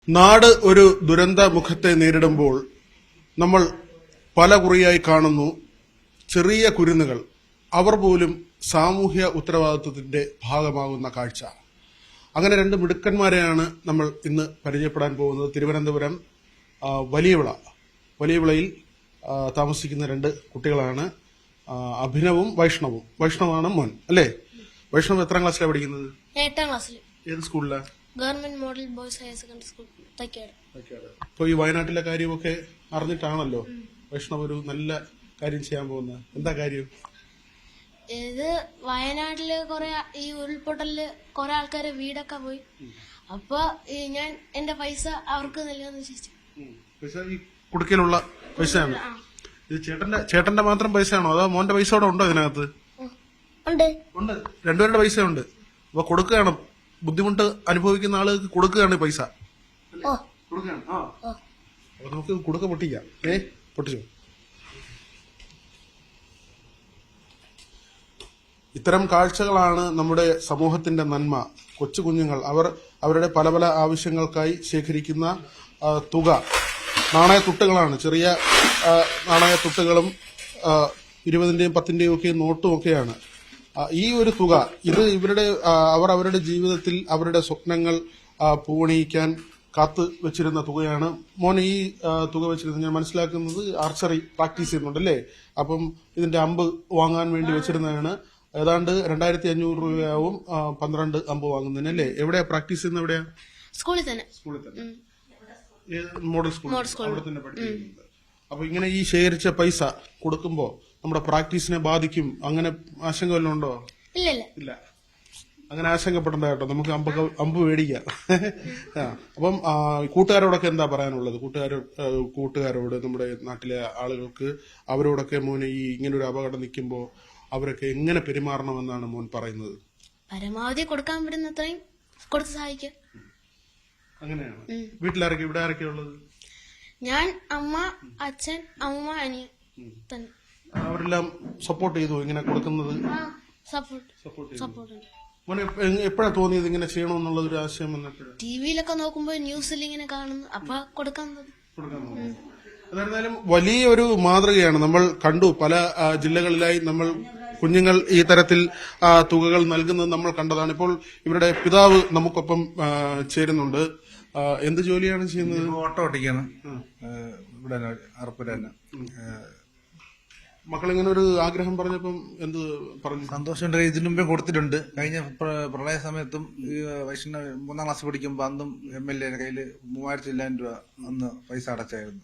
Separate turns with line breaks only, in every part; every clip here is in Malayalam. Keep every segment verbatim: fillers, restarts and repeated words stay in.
നാട് ഒരു ദുരന്ത മുഖത്തെ നേരിടുമ്പോൾ നമ്മൾ പല കുറിയായി കാണുന്നു ചെറിയ കുരുന്നുകൾ. അവർ പോലും സാമൂഹ്യ ഉത്തരവാദിത്വത്തിന്റെ ഭാഗമാകുന്ന കാഴ്ച. അങ്ങനെ രണ്ട് മിടുക്കന്മാരെയാണ് നമ്മൾ ഇന്ന് പരിചയപ്പെടാൻ പോകുന്നത്. തിരുവനന്തപുരം വലിയവിള വലിയവിളയിൽ താമസിക്കുന്ന രണ്ട് കുട്ടികളാണ്, അഭിനവും വൈഷ്ണവും. വൈഷ്ണവാണ് മോൻ അല്ലേ? വൈഷ്ണവ് എത്രാം ക്ലാസ്സിലാണ് പഠിക്കുന്നത്?
എട്ടാം ക്ലാസ്സിൽ.
ഏത് സ്കൂളിലാണ്?
Government model boys higher secondary school Thycaud.
അപ്പോൾ ഈ വയനാട്ടിലെ കാര്യമൊക്കെ അറിഞ്ഞിട്ടാണല്ലോ വൈഷ്ണവ് ഒരു നല്ല കാര്യം ചെയ്യാൻ പോകുന്നത്. എന്താ കാര്യം?
ഇത് വയനാട്ടില് കൊറേ ഈ ഉരുൾപൊട്ടലില് കൊറേ ആൾക്കാരെ വീടൊക്കെ പോയി. അപ്പൊ ഞാൻ എന്റെ പൈസ അവർക്ക് നൽകാന്ന് വിചാരിച്ചു.
പൈസ ഈ കുടുക്കയിലുള്ള പൈസയാണ്. ഇത് ചേട്ടന്റെ ചേട്ടന്റെ മാത്രം പൈസയാണോ അതോ മോന്റെ പൈസ കൂടെ ഉണ്ടോ ഇതിനകത്ത്?
ഉണ്ട്
ഉണ്ട് രണ്ടുപേരുടെ പൈസ ഉണ്ട്. അപ്പൊ കൊടുക്കുകയാണ്, ബുദ്ധിമുട്ട് അനുഭവിക്കുന്ന ആളുകൾക്ക് കൊടുക്കുകയാണ് പൈസ. കൊടുക്കുകയാണ്. ആ അപ്പൊ നമുക്ക് കൊടുക്ക പൊട്ടിക്കാം. ഏ പൊട്ടിച്ചു. ഇത്തരം കാഴ്ചകളാണ് നമ്മുടെ സമൂഹത്തിന്റെ നന്മ. കൊച്ചു കുഞ്ഞുങ്ങൾ അവർ അവരുടെ പല പല ആവശ്യങ്ങൾക്കായി ശേഖരിക്കുന്ന തുക നാണയത്തുട്ടുകളാണ്. ചെറിയ നാണയത്തുട്ടുകളും ഇരുപതിന്റെയും പത്തിന്റെയും ഒക്കെ നോട്ടും ഒക്കെയാണ്. ഈ ഒരു തുക ഇത് ഇവരുടെ അവർ അവരുടെ ജീവിതത്തിൽ അവരുടെ സ്വപ്നങ്ങൾ പൂവണിയിക്കാൻ കാത്തു വെച്ചിരുന്ന തുകയാണ്. മോൻ ഈ തുക വെച്ചിരുന്നത് ഞാൻ മനസ്സിലാക്കുന്നത് ആർച്ചറി പ്രാക്ടീസ് ചെയ്യുന്നുണ്ടല്ലേ? അപ്പം ഇതിന്റെ അമ്പ് വാങ്ങാൻ വേണ്ടി വെച്ചിരുന്നതാണ്. ഏതാണ്ട് രണ്ടായിരത്തി അഞ്ഞൂറ് രൂപയാവും പന്ത്രണ്ട് അമ്പ് വാങ്ങുന്നതിനല്ലേ? എവിടെയാ പ്രാക്ടീസ് ചെയ്യുന്നത്? എവിടെയാ?
സ്കൂളിൽ തന്നെ.
സ്കൂളിൽ തന്നെ. മോഡൽ സ്കൂൾ അവിടെ തന്നെ പഠിക്കുന്നത്. അപ്പൊ ഇങ്ങനെ ഈ ശേഖരിച്ച പൈസ കൊടുക്കുമ്പോ നമ്മുടെ പ്രാക്ടീസിനെ ബാധിക്കും, അങ്ങനെ ആശങ്ക വല്ലതും ഉണ്ടോ?
ഇല്ല ഇല്ല
അങ്ങനെ ആശങ്കപ്പെടേണ്ട കേട്ടോ. നമുക്ക് അമ്പ അമ്പ് മേടിക്കാം. അപ്പം കൂട്ടുകാരോടൊക്കെ എന്താ പറയാനുള്ളത്? കൂട്ടുകാരോ കൂട്ടുകാരോട് നമ്മുടെ നാട്ടിലെ ആളുകൾക്ക് അവരോടൊക്കെ മോനെ ഈ ഇങ്ങനെ ഒരു അപകടം നിൽക്കുമ്പോ അവരൊക്കെ എങ്ങനെ പെരുമാറണമെന്നാണ് മോൻ പറയുന്നത്?
പരമാവധി കൊടുക്കാൻ പറ്റുന്നത്രയും കൊടുത്ത് സഹായിക്കാം.
അങ്ങനെയാണ്. വീട്ടിലാരൊക്കെ ഇവിടെ ആരൊക്കെ ഉള്ളത്?
ഞാൻ, അമ്മ, അച്ഛൻ, അമ്മ, അനിയൻ തന്നെ.
അവരെല്ലാം സപ്പോർട്ട് ചെയ്തു ഇങ്ങനെ കൊടുക്കുന്നത്?
സപ്പോർട്ട് സപ്പോർട്ട്
മോനെ എപ്പോഴാ തോന്നിയത് ഇങ്ങനെ ചെയ്യണമെന്നുള്ള ഒരു ആശയം?
ടിവിയിലൊക്കെ നോക്കുമ്പോ ന്യൂസിൽ ഇങ്ങനെ കാണുന്നു, അപ്പൊ കൊടുക്കാൻ
എന്തായിരുന്നാലും വലിയൊരു മാതൃകയാണ്. നമ്മൾ കണ്ടു പല ജില്ലകളിലായി നമ്മൾ കുഞ്ഞുങ്ങൾ ഈ തരത്തിൽ തുകകൾ നൽകുന്നത് നമ്മൾ കണ്ടതാണ്. ഇപ്പോൾ ഇവരുടെ പിതാവ് നമുക്കൊപ്പം ചേരുന്നുണ്ട്. എന്ത് ജോലിയാണ് ചെയ്യുന്നത്?
ഓട്ടോ ഓട്ടിക്കാണ് ഇവിടെ അറപ്പുര തന്നെ.
മക്കളിങ്ങനെ ഒരു ആഗ്രഹം പറഞ്ഞപ്പം എന്ത് പറഞ്ഞു?
സന്തോഷമുണ്ട്. ഇതിനു മുമ്പേ കൊടുത്തിട്ടുണ്ട്. കഴിഞ്ഞ പ്രളയ സമയത്തും വൈഷ്ണവ് മൂന്നാം ക്ലാസ് പഠിക്കുമ്പോൾ അന്നും എം എൽ എ കയ്യില് മൂവായിരത്തി ചില്ലായിരം രൂപ അന്ന് പൈസ അടച്ചായിരുന്നു.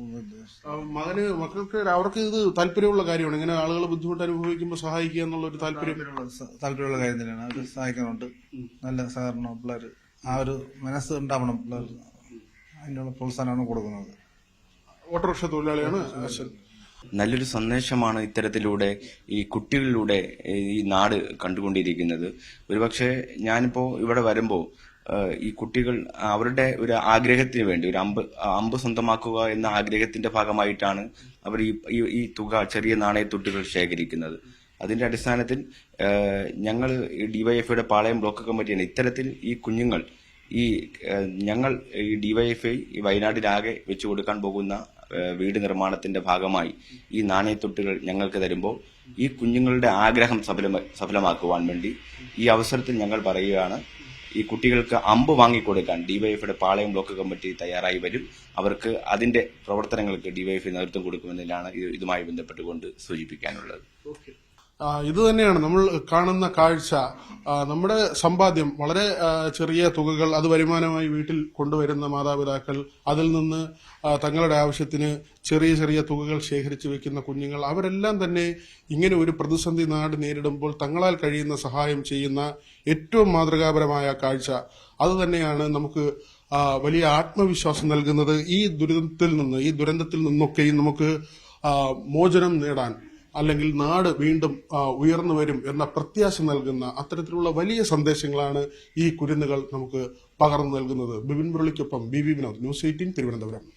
മകന് മക്കൾക്ക് അവർക്ക് ഇത് താല്പര്യമുള്ള കാര്യമാണ്. ഇങ്ങനെ ആളുകൾ ബുദ്ധിമുട്ട് അനുഭവിക്കുമ്പോൾ സഹായിക്കുക എന്നുള്ള ഒരു താല്പര്യം
താല്പര്യമുള്ള കാര്യം തന്നെയാണ്. അവർ സഹായിക്കുന്നുണ്ട്. നല്ല സഹകരണം പിള്ളേർ ആ ഒരു മനസ്സ് ഉണ്ടാവണം പിള്ളേർ. അതിനുള്ള പ്രോത്സാഹനമാണ് കൊടുക്കുന്നത്.
ഓട്ടോറിക്ഷ തൊഴിലാളിയാണ് അശ്വൻ.
നല്ലൊരു സന്ദേശമാണ് ഇത്തരത്തിലൂടെ ഈ കുട്ടികളിലൂടെ ഈ നാട് കണ്ടുകൊണ്ടിരിക്കുന്നത്. ഒരുപക്ഷെ ഞാനിപ്പോ ഇവിടെ വരുമ്പോ ഈ കുട്ടികൾ അവരുടെ ഒരു ആഗ്രഹത്തിന് വേണ്ടി ഒരു അമ്പ് അമ്പ് സ്വന്തമാക്കുക എന്ന ആഗ്രഹത്തിന്റെ ഭാഗമായിട്ടാണ് അവർ ഈ ഈ തുക ചെറിയ നാണയത്തുട്ടുകൾ ശേഖരിക്കുന്നത്. അതിന്റെ അടിസ്ഥാനത്തിൽ ഞങ്ങൾ ഡിവൈഎഫ്ഐയുടെ പാളയം ബ്ലോക്ക് കമ്മിറ്റിയാണ് ഇത്തരത്തിൽ ഈ കുഞ്ഞുങ്ങൾ ഈ ഞങ്ങൾ ഈ ഡിവൈഎഫ്ഐ ഈ വയനാട്ടിലാകെ വെച്ചു കൊടുക്കാൻ പോകുന്ന വീട് നിർമ്മാണത്തിന്റെ ഭാഗമായി ഈ നാണയത്തൊട്ടുകൾ ഞങ്ങൾക്ക് തരുമ്പോൾ ഈ കുഞ്ഞുങ്ങളുടെ ആഗ്രഹം സഫലമ സഫലമാക്കുവാൻ വേണ്ടി ഈ അവസരത്തിൽ ഞങ്ങൾ പറയുകയാണ്, ഈ കുട്ടികൾക്ക് അമ്പ് വാങ്ങിക്കൊടുക്കാൻ ഡിവൈഎഫ്ഐയുടെ പാളയം ബ്ലോക്ക് കമ്മിറ്റി തയ്യാറായി വരും. അവർക്ക് അതിന്റെ പ്രവർത്തനങ്ങൾക്ക് ഡിവൈഎഫ്ഐ നേതൃത്വം കൊടുക്കുമെന്നതിലാണ് ഇതുമായി ബന്ധപ്പെട്ടുകൊണ്ട് സൂചിപ്പിക്കാനുള്ളത്.
ഇത് തന്നെയാണ് നമ്മൾ കാണുന്ന കാഴ്ച. നമ്മുടെ സമ്പാദ്യം വളരെ ചെറിയ തുകകൾ അത് വരുമാനമായി വീട്ടിൽ കൊണ്ടുവരുന്ന മാതാപിതാക്കൾ, അതിൽ നിന്ന് തങ്ങളുടെ ആവശ്യത്തിന് ചെറിയ ചെറിയ തുകകൾ ശേഖരിച്ചു വെക്കുന്ന കുഞ്ഞുങ്ങൾ, അവരെല്ലാം തന്നെ ഇങ്ങനെ ഒരു പ്രതിസന്ധി നാട് നേരിടുമ്പോൾ തങ്ങളാൽ കഴിയുന്ന സഹായം ചെയ്യുന്ന ഏറ്റവും മാതൃകാപരമായ കാഴ്ച. അത് തന്നെയാണ് നമുക്ക് വലിയ ആത്മവിശ്വാസം നൽകുന്നത്. ഈ ദുരിതത്തിൽ നിന്ന് ഈ ദുരന്തത്തിൽ നിന്നൊക്കെയും നമുക്ക് മോചനം നേടാൻ, അല്ലെങ്കിൽ നാട് വീണ്ടും ഉയർന്നു വരും എന്ന പ്രത്യാശ നൽകുന്ന അത്തരത്തിലുള്ള വലിയ സന്ദേശങ്ങളാണ് ഈ കുരുന്നുകൾ നമുക്ക് പകർന്നു നൽകുന്നത്. ബിപിൻ മുരളിക്കൊപ്പം B V Vinod, News Eighteen, Thiruvananthapuram.